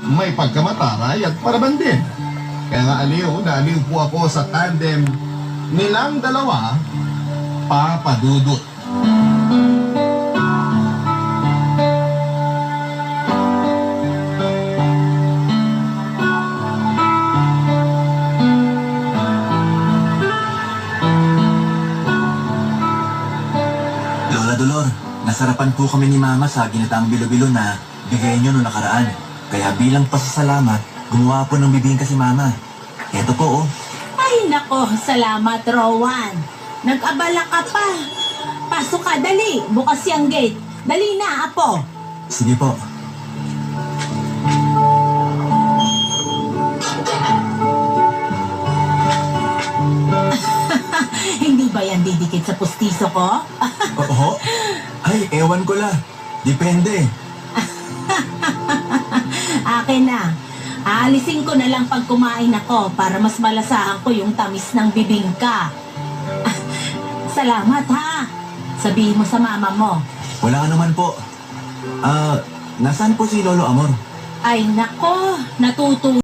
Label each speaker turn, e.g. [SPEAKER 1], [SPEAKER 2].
[SPEAKER 1] may pagkamataray at paraban din. Kaya nga naaliw po ako sa tandem nilang dalawa, Papa Dudut.
[SPEAKER 2] Lola Dolor, nasarapan po kami ni Mama sa ginataang bilo-bilo na bigay niyo noong nakaraan. Kaya bilang pasasalamat, gumawa po ng bibingka si Mama. Eto po, oh.
[SPEAKER 3] Ay nako, salamat Rowan. Nag-abala ka pa. Pasok ka, dali. Bukas yung gate. Dali na, apo.
[SPEAKER 2] Sige po.
[SPEAKER 3] Hindi ba yan didikit sa pustiso ko?
[SPEAKER 2] Oo? Ay, ewan ko la. Depende.
[SPEAKER 3] Akin na. Aalisin ko na lang pag kumain ako para mas malasahan ko yung tamis ng bibingka. Salamat ha. Sabihin mo sa mama mo.
[SPEAKER 2] Wala ka naman po. Nasaan po si Lolo Amor?
[SPEAKER 3] Ay nako, natutuwa.